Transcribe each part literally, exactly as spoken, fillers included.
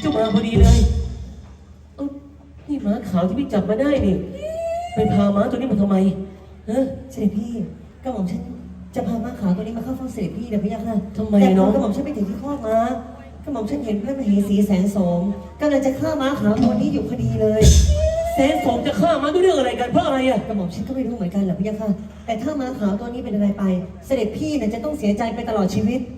จ้ามาพอดีเลยเอ้านี่ม้าขาวที่พี่จับมาได้นี่ไปพาม้าตัวนี้มาทำไมฮะเสด็จพี่กระหม่อมฉันจะพาม้าขาวตัวนี้มาเข้าเฝ้าเสด็จพี่เดี๋ยวพี่ยักษ์ค่ะทำไมแต่พน้อองกระหม่อมฉันไปถึงที่คอกม้ากระหม่อมฉันเห็นพระมเหสีแสนโสมกำลังจะฆ่าม้าขาวตัวนี้อยู่พอดีเลยแสนสมจะฆ่าม้าด้วยเรื่องอะไรกันเพราะอะไรอ่ะกระหม่อมฉันก็ไม่รู้เหมือนกันแหละพี่ยักษ์ค่ะแต่ถ้าม้าขาวตัวนี้เป็นอะไรไป เสด็จพี่น่ะจะต้องเสียใจไปตลอดชีวิต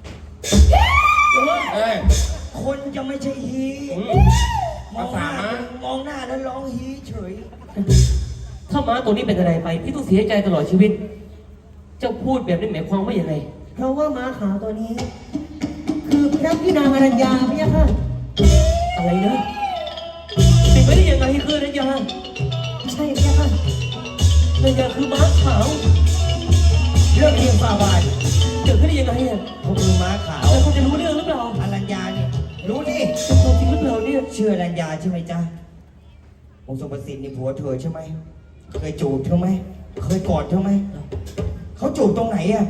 เอ้ยคนจะไม่ใช่ฮีมองหน้ามองหน้าแล้วร้องฮีเฉยถ้าม้าตัวนี้เป็นอะไรไปพี่ต้องเสียใจตลอดชีวิต เจ้าพูดแบบนี้หมายความว่าอย่างไรเพราะว่าม้าขาวตัวนี้ คือพระพี่นางอรัญญาพี่ยักษ์ค่ะอะไรนะเป็นไปได้ยังไงคือนัญญาใช่พี่ยักษ์ค่ะนัญญาคือม้าขาวเรื่องเรียงฝ่าบาทเกิดขึ้นได้ยังไงอ่ะเขาคือม้าขาวแล้วเขาจะรู้เรื่องหรือเปล่าอรัญญาเนี่ยรู้ดิเป็นตัวจริงหรือเปล่าเนี่ยชื่ออรัญญาใช่ไหมจ๊ะองค์ทรงประสิทธิ์นี่ผัวเธอใช่ไหมเคยจูบเธอไหมเคยกอดเธอไหมเขาจูบตรงไหนอ่ะ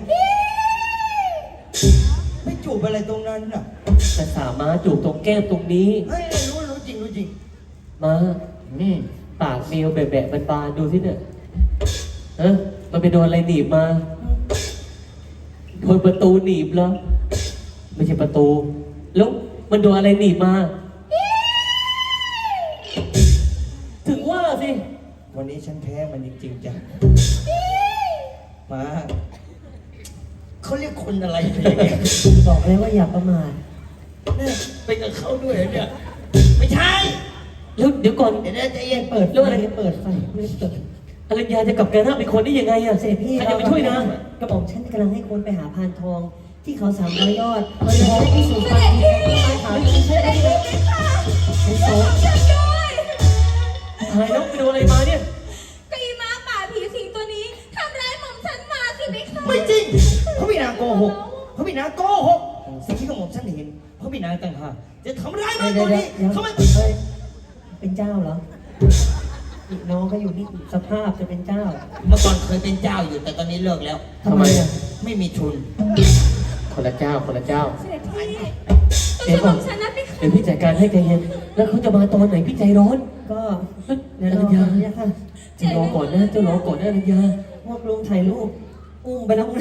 ไม่จูบอะไรตรงนั้นอ่ะแต่สามม้าจูบตรงแก้มตรงนี้เฮ้ยรู้รู้จริงรู้จริงม้าอืมปากเมลแบะๆบานๆดูสิเนี่ยฮะมันไปโดนอะไรหนีบมาโดนประตูหนีบแล้วไม่ใช่ประตู แล้วมันโดนอะไรหนีบมา ถึงว่าสิวันนี้ฉันแพ้มันจริงๆจ้ะมาเขาเรียกคนอะไรอย่างเงี้ยบอกเลยว่าอย่าประมาทเนี่ยไปกับเขาด้วยเหรอเนี่ยไม่ใช่แล้วเดี๋ยวก่อนเดี๋ยวนะใจเย็นเปิดแล้วอะไรเปิดไฟไม่ได้เปิดอรัญญาจะกลับกันหน้าเป็นคนได้ยังไงอะเสด็จพี่ใครจะไปช่วยนางกระบอกฉันกำลังให้คนไปหาพานทอง ที่เขาสามร้อยยอดเพื่อจะได้พิสูจน์ความจริงของม้าขาวที่ใช่ไหมเป็นโสมฉันด้วยหายแล้วไปโดนอะไรมาเนี่ยก็อีม้าป่าผีสิงตัวนี้ทำร้ายหม่อมฉันมาสิไหมคะไม่จริงเขาพี่นางโกหกเขาพี่นางโกหกสิ่งที่กระหม่อมฉันเห็นเขาพี่นางต่างหากจะทำร้ายมันเดี๋ตัยววเดี๋ยวนี้เดี๋ยวเขาไม่เฮ้ยเป็นเจ้าเหรออีกน้องก็อยู่นี่สภาพจะเป็นเจ้าเมื่อก่อนเคยเป็นเจ้าอยู่แต่ตอนนี้เลิกแล้วทำไมอ่ะไม่มีทุนคนละเจ้าคนละเจ้าเสด็จพี่เดี๋ยวหก่ม่ออน มฉันนะพี่คะเดี๋ยวพี่จัดการให้ใจเย็นแล้วเขาจะมาตอนไหนพี่ใจร้อนก็เฮ้ยเดี๋ยวอรรัอญญาเนี่ยค่ะเจะรอก่อนนะเจ้ารอก่อนนะอรัญญาพวกลุงถ่ายรูปอุ้มไปแล้วนะ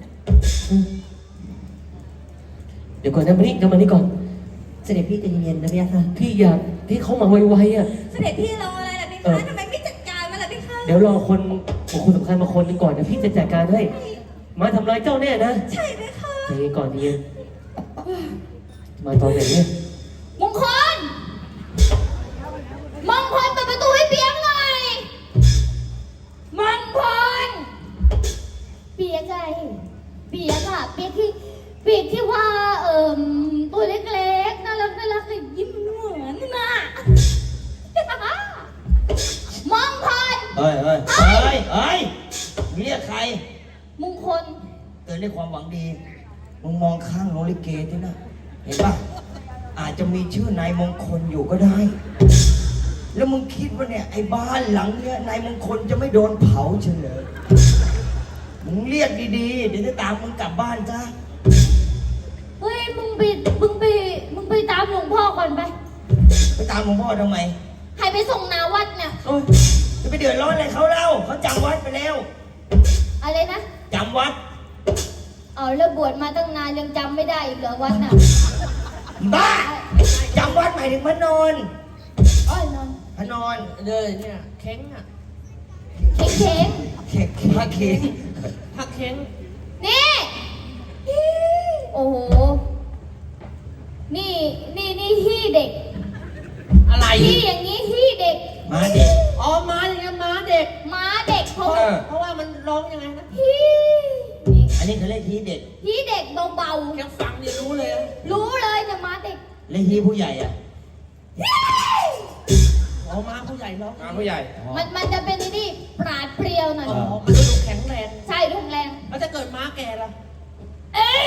เดี๋ยวก่อนนะมานี่จะมานี่ก่อนเสด็จพี่ใจเย็นๆนะพี่ค่ะพี่อยากให้เขามาไวๆอ่ะเสด็จพี่รออะไรล่ะพี่เอคะอทำไมไม่จัดการมันล่ะพี่คะเดี๋ยวรอคนบุคคลสำคัญมาคนหนึงก่อนนะพี่จะจัดการให้ มาทำร้ายเจ้าแน่นะใช่ไหมคะใจเย็นก่อนใจเย็นมาตอนไหนเนี่ยมงคลมงคลเปิดประตูให้เปียกหน่อยมงคลเปียกไงเปียกอะเปียกที่เปียกที่ว่าเอ่มตัวเล็กๆน่ารักน่ารักเลยยิ้มเหมือนน่ะ มองพรเฮ้ยเฮ้ยเฮ้ยเฮ้ยเรียกใครมงคลเตือนด้วยความหวังดี มึงมองข้างโรลิเกที่น่ะ เห็นป่ะ อาจจะมีชื่อนายมงคลอยู่ก็ได้ แล้วมึงคิดว่าเนี่ยไอ้บ้านหลังเนี้ยนายมงคลจะไม่โดนเผาเฉลยมึงเรียกดีๆ เดี๋ยวจะตามมึงกลับบ้านจ้าเฮ้ยมึงไปมึงไปมึงไปตามหลวงพ่อก่อนไปไปตามหลวงพ่อทำไมให้ไปส่งนาวัดเนี่ยโอ้ยจะไปเดือดร้อนอะไรเขาเล่าเขาจำวัดไปแล้วอะไรนะจำวัดเอาแล้วบวชมาตั้งนานยังจำไม่ได้อีกเหรอวัดน่ะบ้าจำวัดหมายถึงพระนอนอ้อยนอนพระนอนเลยเนี่ยเค้งอ่ะเข่งเข่งเค้กพระเค้กพักเค้งนี่โอ้โหนี่นี่นี่ที่เด็กอะไรที่อย่างนี้ที่เด็กมาเด็กอ๋อม้าอย่างเงี้ยม้าเด็กม้าเด็กเพราะเออเพราะว่ามันร้องยังไงนะที่นี่อันนี้เขาเรียกฮีเด็กที่เด็กเบาแค่ฟังนี่รู้เลยอะๆรู้เลยเนี่ยม้าเด็กและฮีผู้ใหญ่อ่ะอ๋อม้าผู้ใหญ่ร้องมาผู้ใหญ่มันมันจะเป็นนี่ปราดเปรียวหน่อยอ๋อมันก็ดูแข็งแรงใช่รุนแรงแล้วถ้าเกิดม้าแก่ล่ะเอ้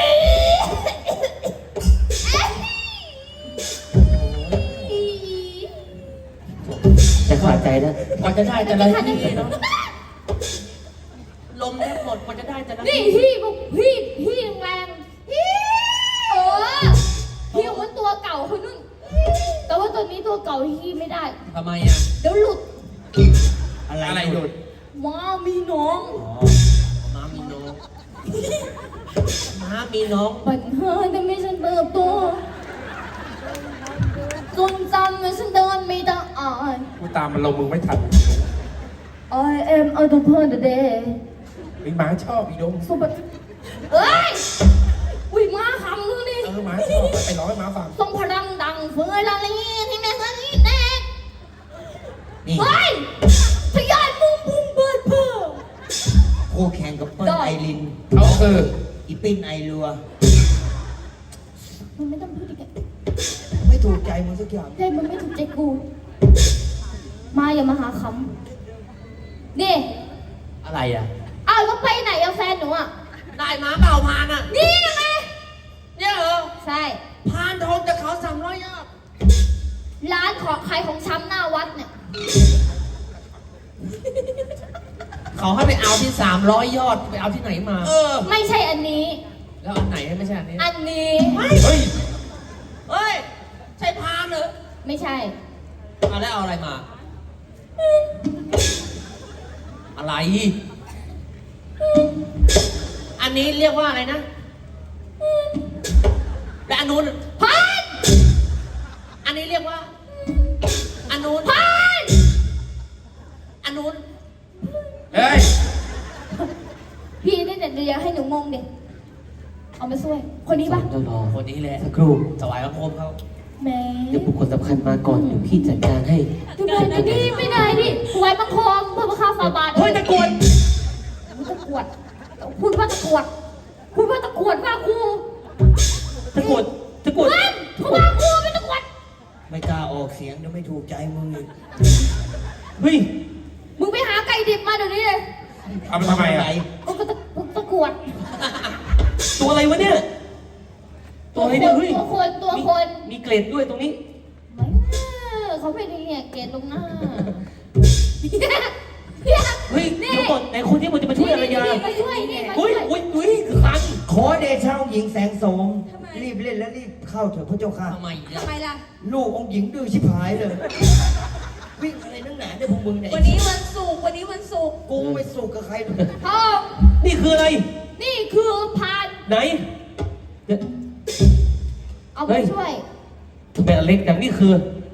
ยจะขาดใจนะกว่าจะได้แต่ละคันที่นี้เนาะลมแทบหมดกว่าจะได้แต่ละนี่ที่พี่บุกพี่พี่แรงพี่เออพี่เหมือนตัวเก่าคนนู้นตัวนี้ตัวเก่าที่ไม่ได้ทำไมอ่ะเดี๋ยวหลุดอะไรอะไรหลุดว้ามีน้องอ๋อม้ามีน้อง ม้ามีน้องปัญหาแต่ไม่ฉันเติบโตจนจำไม่ฉันเดินไม่ได้กูตามมันลงมึงไม่ทัน I am a d u p e r today ไอ้หมาชอบอีดงสบัดเอ้ยอุ้ยมาคำนึงนี่เออหมาชอบไปร้องให้หมาฟังทรงพลังดังเฟื่อยละลีที่แม่สันนี่แน่นี่เฮ้ยทะยานมุมพุ่งเบิดเพื่อคู่แข่งกับเปิ้ลได้ไอรินเขาคืออีปิ้นไอรัวมันไม่ต้องพูดอีกอะไม่ถูกใจมึงสักอย่างเฮ้ยมันไม่ถูกใจกู มาอย่ามาหาคำนี่อะไรอ่ะอ้าวแล้วไปไหนอะแฟนหนูอะได้ม้าเปล่าพานอ่ะนี่ยังไงเนี่ยเหรอใช่พานทองจากเขาสามร้อยยอดร้านของขายของช้ำหน้าวัดเนี่ยเขาให้ไปเอาที่สามร้อยยอด ไปเอาที่ไหนมาเออไม่ใช่อันนี้แล้วอันไหนไม่ใช่อันนี้อันนี้เฮ้ยเฮ้ย ใช่พานเหรอไม่ใช่เอาแล้วเอาอะไรมา อะไร อันนี้เรียกว่าอะไรนะ และอันนู้นพันอันนี้เรียกว่า อันนู้นพันอันนู้นเฮ้ยพี่นี่เดี๋ยวเดี๋ยวให้หนูงงเด็กเอามาช่วย คนนี้ปะเจ้ารอคนนี้แหละสักครู่ถวายพระพรหมเขาแหม่เดี๋ยวบุคคลสำคัญมาก่อนเดี๋ยวพี่จัดการให้ทำไมนะนี่ไม่ได้ดิไว้บังคมเพื่อพระข้าฟาบาทเฮ้ยตะกรวดตะกรวดพูดว่าตะกรวดพูดว่าตะกรวดว่ากูตะกรวดตะกรวดเฮ้ยเขาว่ากูเป็นตะกรวดไม่กล้าออกเสียงเดี๋ยวไม่ถูกใจมึงอีกเฮ้ยมึงไปหาไก่ดิบมาเดี๋ยวนี้เลยเอาไปทำไมอ่ะกูก็ตะตะกรวดตัวอะไรวะเนี่ย ตัวอะไรเนี่ยเฮ้ยตัวคนตัวคนมีเกรดด้วยตรงนี้ไม่เขาไม่ได้เนี่ยเกลียดลงหน้าเฮ้ยนี่เดี๋ยวก่อนไหนคนที่มันจะมาช่วยอารยานี่มาช่วยนี่มาช่เฮ้วย ยอุ้ยอุ้ยคันขอเดชะองค์หญิงแสงโสม รีบเล่นและรีบเข้าเถอะพระเจ้าค่ะทำไมเนี่ยทำไมล่ะลูกองค์หญิงดื้อชิบหายเลย วิ่งอะไรนักหนาเนี่ยพวกมึงเนี่ยวันนี้วันศุกร์วันนี้วันศุกร์กูไม่สู้กับใครหรอกพ่อนี่คืออะไรนี่คือพานไหนเดี๋ยวเอามาช่วยทำไมอันเล็กจังนี่คือ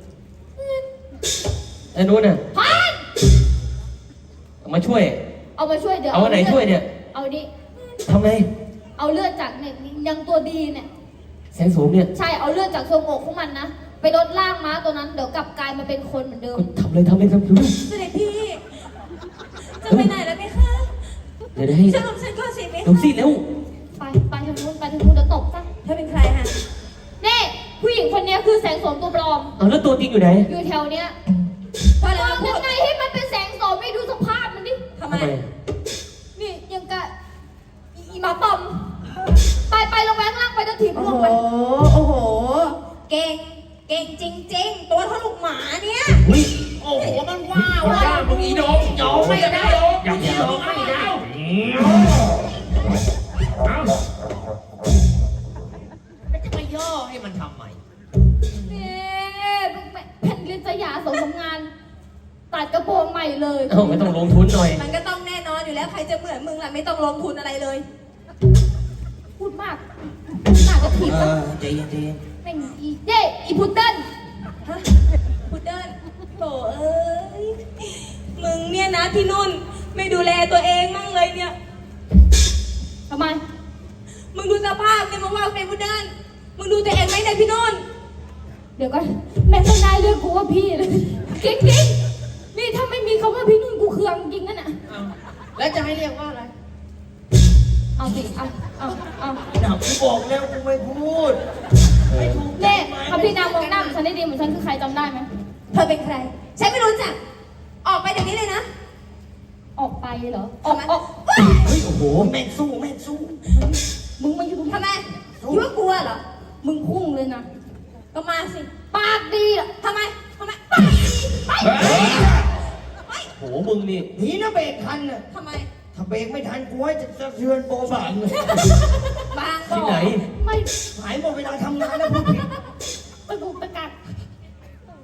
ไอ้นู้นน่ะพานเอามาช่วยเอามาช่วยเดี๋ยวเอาอันไหนช่วยเนี่ยเอาดิทำไงเอาเลือดจากเนี่ยยังตัวดีเนี่ยแสงโสมเนี่ยใช่เอาเลือดจากทรวงอกของมันนะไปลดล่างม้าตัวนั้นเดี๋ยวกลับกลายมาเป็นคนเหมือนเดิมก็ทำเลยทำเลยทำเลยเสด็จพี่ จะไปไหนแล้วไหมคะเดี๋ยวให้ช่วยผมฉันก่อนสิไหมดูคะสิเร็วไปไปทางนู้นไปทางนู้นเดี๋ยวตบซะเธอเป็นใครฮะนี่ผู้หญิงคนเนี้ยคือแสงโสมตัวปลอมเอาแล้วตัวจริงอยู่ไหนอยู่แถวเนี้ยพอมแล้วองพูยัดงไงให้มันเป็นแสงโสมไม่ดูสภาพมันดิทำไมนี่ยังกะอีอีหมาปอม ไปไปลงแวงล่างไปเดี๋ยวถีบโอ้ลงโหไปโอ้โห เก่ง เก่งจริง ๆ ตัวเท่าลูกหมาเนี่ยเฮ้ยโอ้โหมันว้าวว้าวมึงอีโดงยอมไม่ได้อย่างนี้ยอมไม่ได้เอาแล้วจะมาย่อให้มันทำไมนี่แผ่นลิสยาสมทำงาน ตัดกระโปรงใหม่เลยเอ้าไม่ต้องลงทุนหน่อยมันก็ต้องแน่นอนอยู่แล้วใครจะเหมือนมึงล่ะไม่ต้องลงทุนอะไรเลยพูดมากหน้ากระถีบเอนะอใจเย็นใจเย็นแม่งอีเย่อีพุดเดิ้ลฮะพุดเดิ้ลโถเอ้ย มึงเนี่ยนะที่นุ่น ไม่ดูแลตัวเองมั่งเลยเนี่ยทำไมมึงดูสภาพเนี่ยมึงว่าเป็นพุดเดิ้ลมึงดูตัวเองไหมเนี่ยพี่นุ่นเดี๋ยวก่อนแม่งไม่ได้เรียกกูว่าพี่เลยจริงจริงๆนี่ถ้าไม่มีคำว่าพี่นุ่นกูเคืองจริงนั่นน่ะเอาแล้วจะให้เรียกว่าอะไรเอาสิเอาเอาเอาหนักกูบอกแล้วกูไม่พูดเน่คำพี่นางมองหน้าเหมือนฉันได้ดีเหมือนฉันคือใครจำได้ไหมเธอเป็นใคร ฉันไม่รู้จัก ออกไปเดี๋ยวนี้เลยนะออกไปเหรอออกออกเฮ้ยโอ้โหแม่งสู้แม่งสู้มึงมาอยู่ตรงทำไมคิดว่ากลัวเหรอมึงพุ่งเลยนะก็มาสิปากดีอ่ะทำไม ทำไม ไป ไป ไปโหมึงนี่หนีนะเบรกทันน่ะทำไมถ้าเบรกไม่ทันกูให้จะสะเทือนโบบางเลยบางบที่อกไหนไม่หายหมดเวลาทำงานแล้วพูดผิดไปบุกไปกัด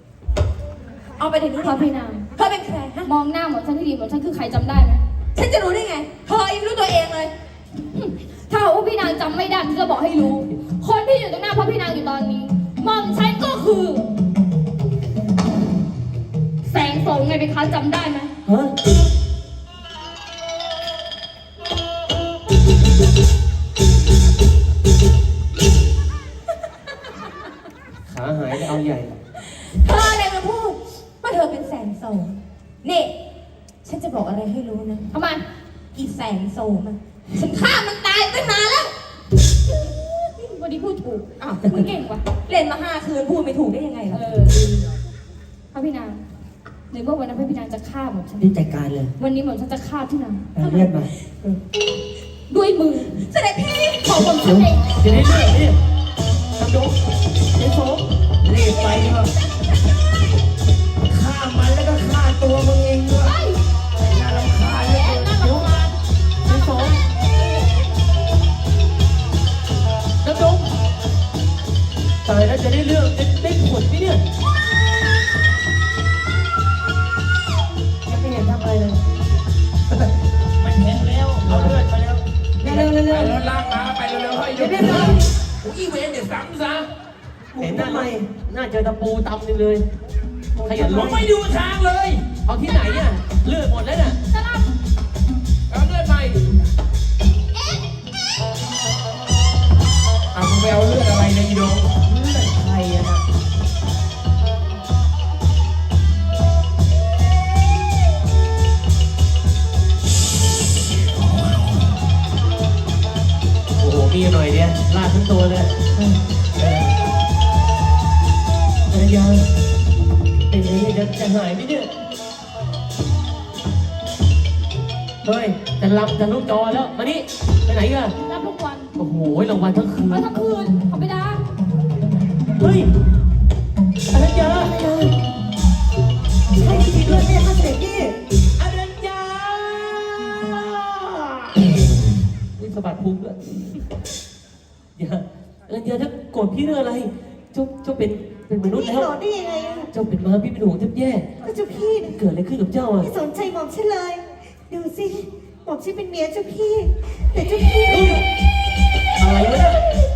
เอาไปเดี๋ยวนี้พระพี่นางเธอเป็นใครฮะมองหน้าหมอฉันที่ดีหมอฉันคือใครจำได้ไหมฉันจะรู้ได้ไง เธอยังไม่รู้ตัวเองเลยถ้าหากว่าพี่นางจำไม่ได้ฉันจะบอกให้รู้ คนที่อยู่ตรงหน้าพระพี่นางอยู่ตอนนี้หมอมฉันก็คือ แสงโสมไงเป็นคะจำได้ไหมฮะขาหายแล้วเอาใหญ่เธออะไรมาพูดว่าเธอเป็นแสงโสมนี่ฉันจะบอกอะไรให้รู้นะทำไมอีแสงโสมอะฉันฆ่ามันตายตั้งนานแล้ววันนี้พูดถูกอ้าวมึงเก่งว่ะเล่นมาห้าคืนพูดไม่ถูกได้ยังไงเอล่ะอพระพี่นางในเมื่อวันนั้นพระพี่นางจะฆ่าหมอมฉันรีบจัดการเลยวันนี้หมอมฉันจะฆ่าพี่นางเอาเลือดมาด้วยมือเสด็จพี่ของหมอมฉันเองจะได้เลือกนี่ทำดูไอ้โสมรีบไปเถอะฆ่ามันแล้วก็ฆ่าตัวมึงเองด้วยเฮ้ยน่ารำคาญเหลแย่ยน่ารำคาญไอ้โสมน้ำดงตายแล้วจะได้เลือกจะได้ผลไหมเนี่ยยังไม่เห็นทำอะไรเลยมันเห็นแล้วเอาเลือดมาแล้วเร็วเร็วเร็วไปเร็วรถลากมาไปเร็วๆให้ยเดี๋ยวกเดี๋ยวเดี๋ยวโอ้ยเวนเดี๋ยวซ้ำซะเห็นหน้าไหมหน้าเจอตะปูตำหนึงเลยขยันผลมงไม่ดูทางเลยเอาที่ไหนอ่ะเลือดหมดแล้วน่ะจะรับเอาเลือดไปเอามึงไปเอาเลือดอะไรเนี่ยอีโดงเลือดใครอะนะโอ้โหมีหน่อยเดียวลาดทั้งตัวเลยภรรยาเป็นไงจะจะหายไหมเนี่ยเฮ้ยจะลำจะลุกจอแล้วมานี่ไปไหนกันรับทุกวันโอ้โหรางวัลทั้งคืนมาทั้งคืนขอไปดาเฮ้ยอรัญญาใช่จริงด้วยเนี่ยค่ะเสด็จพี่อรัญญานี่สะบัดพุงด้วยอย่าอรัญญาถ้าโกรธพี่เรื่องอะไรเจ้าเจ้าเป็นเป็นมนุษย์พี่แล้วหลอนได้ยังไงอะเจ้าเป็นม้าพี่เป็นห่วงแทบแย่ก็เจ้าพี่นะเกิดอะไรขึ้นกับเจ้าอ่ะไม่สนใจหม่อมฉันเลย ดูสิหม่อมฉันเป็นเมียเจ้าพี่ แต่เจ้าพี่เฮ้ยอะไรวะเนี่ย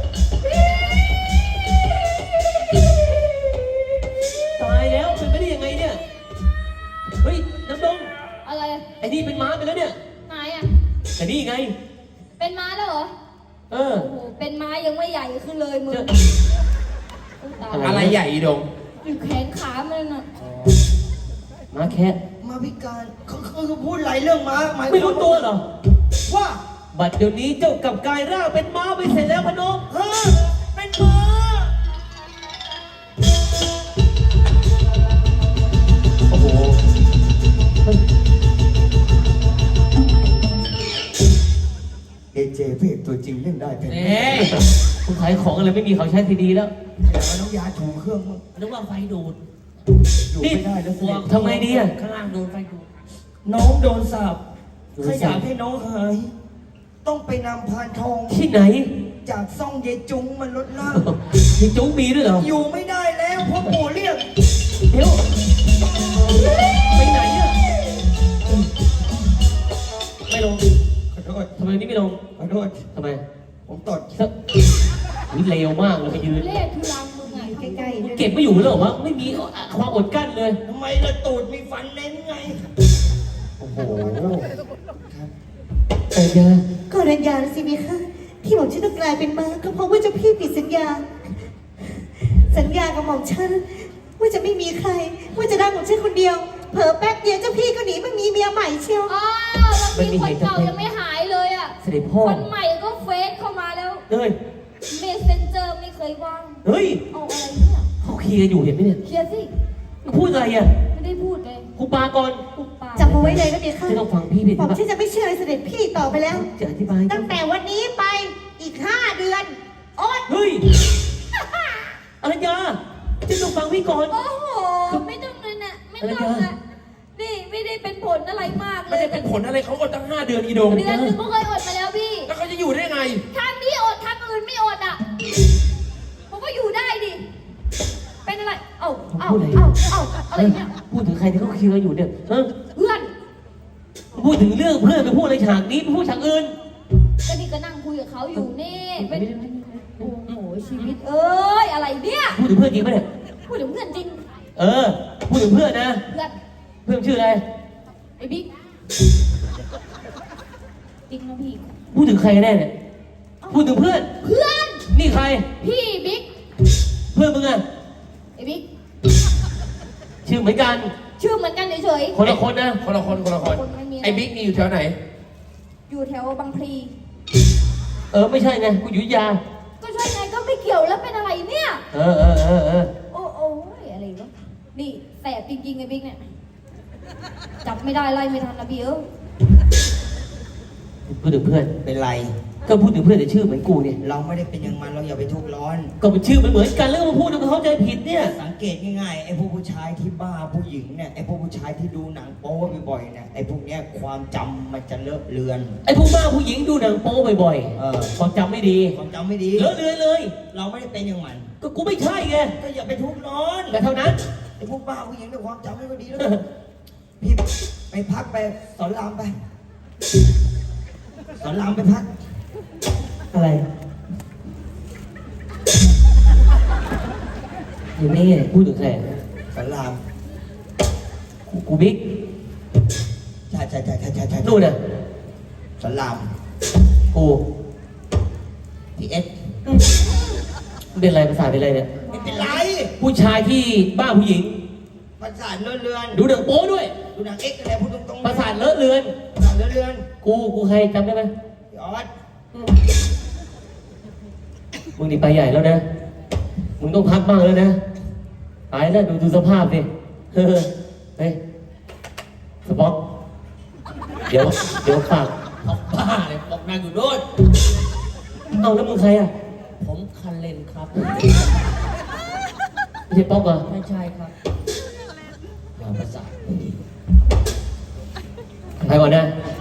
ตายแล้วเป็นไปได้ยังไงเนี่ยเฮ้ยน้ำดงอะไรไอ้นี่เป็นม้าไปแล้วเนี่ยไหนอ่ะแต่นี่ไงเป็นม้าแล้วเหรอเออโอ้โห เป็นม้ายังไม่ใหญ่ขึ้นเลยมึงเจออุ๊ยตายอะไรใหญ่อีโดงอยู่แขนขามันน่ะม้าแคะมาพิการเขาเขาเขาพูดหลายเรื่องมาหมายไม่รู้ตัวเหรอว่าบัดเดี๋ยวนี้เจ้ากลับกลายร่างเป็นม้าไปเสร็จแล้วพนมฮะเป็นม้าโอ้โหเฮ้ยเอเจพระเอกตัวจริงเล่นได้เป็นเอ๊ะคุณขายของอะไรไม่มีเขาใช้ทีดีแล้วแต่ว่าน้ำยาถูเครื่องมึงนึกว่าไฟดูดอยู่ไม่ได้แล้วเสด็จทำไงดีอ่ะข้างล่างโดนไฟดูดน้องโดนสาบโดนถ้าสาปอยากให้น้องหาย ต้องไปนำพานทองที่ไหนจากซ่องเยายจุงมันลดล่างมีจุ้งมีด้วยเหรออยู่ไม่ได้แล้วเพราะปู่เรียกเดี๋ยว ไปไหนอ่ะไม่ลงขอโทษทำไมนี่ไม่ลงขอโทษทำไมผมตดสักอุ๊ยเลวมากเลยไปยืนเลขทุลังมึงไงใกล้ๆด้วยเก็บไม่อยู่เลยเหรอวะไม่มีความอดกลั้นเลยทำไมละตูดมีฟันเน้นไงโอ้โหแต่ยาก็รัญญาสิมีค่ะที่หม่อมฉันต้องกลายเป็นม้าก็เพราะว่าเจ้าพี่ผิดสัญญา สัญญากับหม่อมฉันว่าจะไม่มีใคร ว่าจะได้หม่อมฉันคนเดียว เผลอแป๊บเดียวเจ้าพี่ก็หนีมามีเมียใหม่เชียวอ้าวบางทีคนเก่ายังไม่หายเลยอ่ะเสด็จพ่อคนใหม่ก็เฟซเข้ามาแล้วเฮ้ยเมสเซนเจอร์ไม่เคยว่างเฮ้ยเอาอะไรเนี่ยเขาเคลียร์อยู่เห็นไหมเนี่ยเคลียร์สิมึงพูดอะไรอ่ะไม่ได้พูดเลยกูปาก่อนปุบปากจำเอาไว้เลยนะเมียค่ะจะต้องฟังพี่ผิดหม่อมปะฉันจะไม่เชื่อเสด็จพี่ต่อไปแล้วจะอธิบายตั้งแต่วันนี้ไปอีกห้าเดือนอดเฮ้ยอรัญญาจะต้องฟังพี่ก่อนโอ้โห ไม่ต้องเลยนะไม่ต้องนะนี่ไม่ได้เป็นผลอะไรมากเลไม่ยได้เป็นผลอะไรเขาอดตั้งห้าเดือนอีโดงเดือนหนึงก็เคยอดมาแล้วพี่แล้วเขาจะอยู่ได้ไงทางนี้อดทางอื่นไม่อดอ่ะผมก็อยู่ได้ดิ เป็นอะไรเอาเอาพูดอะไรเอาเอาอะไรเนี่ยพูดถึงใครที่เขาคิดว่าอยู่เนี่ยเออเพื่อนพูดถึงเรื่องเพื่อนไปพูดอะไรฉากนี้ไปพูดฉากอื่นก็นี่ก็นั่งคุยกับเขาอยู่นี่ไม่เป็นได้ไม่ได้โอ้โหชีวิตเอ้ยอะไรเนี่ยพูดถึงเพื่อนจริงปะเนี่ยพูดถึงเพื่อนจริงเออ พูดถึงเพื่อนนะเพื่อนเพื่อนชื่ออะไรไอ้บิ๊กจริงนะพี่พูดถึงใครกันแน่เนี่ย พูดถึงเพื่อนเพื่อนนี่ใครพี่บิ๊กเพื่อนมึงอะไอ้บิ๊กชื่อเหมือนกันชื่อเหมือนกันเฉยคนละคนนะคนละคนคนละคนคนไม่มีอะไรไอ้บิ๊กนี่อยู่แถวไหนๆอยู่แถวบางพลีเออไม่ใช่ไงกูอยู่อยุธยาก็ใช่ไงก็ไม่เกี่ยวแล้วเป็นอะไรเนี่ยเออเออเออเออโอ้โอ้ยอะไรวะนี่แสบจริงๆไอ้บิ๊กเนี่ยจับไม่ได้ไล่ไม่ทันนะพี่เออพูดถึงเพื่อนเป็นไรก็พูดถึงเพื่อนแต่ชื่อเหมือนกูเนี่ยเราไม่ได้เป็นอย่างมันเราอย่าไปทุกข์ร้อนก็เป็นชื่อมันเหมือนกันแล้วก็มาพูดแล้วก็เข้าใจผิดเนี่ยสังเกตง่ายๆไอ้พวกผู้ชายที่บ้าผู้หญิงเนี่ยไอ้พวกผู้ชายที่ดูหนังโป๊บ่อยๆเนี่ยไอ้พวกเนี้ยความจำมันจะเลอะเลือนไอ้พวกบ้าผู้หญิงดูหนังโป๊บ่อยเออๆความจำไม่ดีความจำไม่ดีเลอะเลือนเลยเราไม่ได้เป็นอย่างมันก็กูไม่ใช่ไงก็อย่าไปทุกข์ร้อนแต่เท่านั้นไอ้พวกบ้าผู้หญิงเนี่ยความจำไม่ค่อยดีแล้วพี่ไปพักไปสอนรามไปสอนรามไปพักอะไรอยู่นี่พูดถึงใครสอนรามกูกูบิ๊กใช่ใช่ใช่ใช่ใช่ใช่นู่นน่ะสอนรามกูพี่เอสเป็นอะไรภาษาเป็นอะไรเนี่ยไม่เป็นไรผู้ชายที่บ้าผู้หญิงประสาทเลอะเลือนดูหนังโป๊ด้วยดูหนังเอ็กซ์อะไรพูดตรงๆประสาทเลอะเลือนประสาทเลอะเลือนกูกูใครจำได้ไหมพี่ออสมึงนี่ไปใหญ่แล้วนะ มึงต้องพักบ้างแล้วนะตายแล้วดูดูสภาพสิเฮ้ยเฮ้ยสป็อกเดี๋ยวเดี๋ยวฝากออกบ้าเลยออกนางอยู่โน่นเอาแล้วมึงใครอ่ะผมคันเลนครับไม่ใช่ป๊อกเหรอไม่ใช่ครับอย่าประสาทไปก่อนนะไ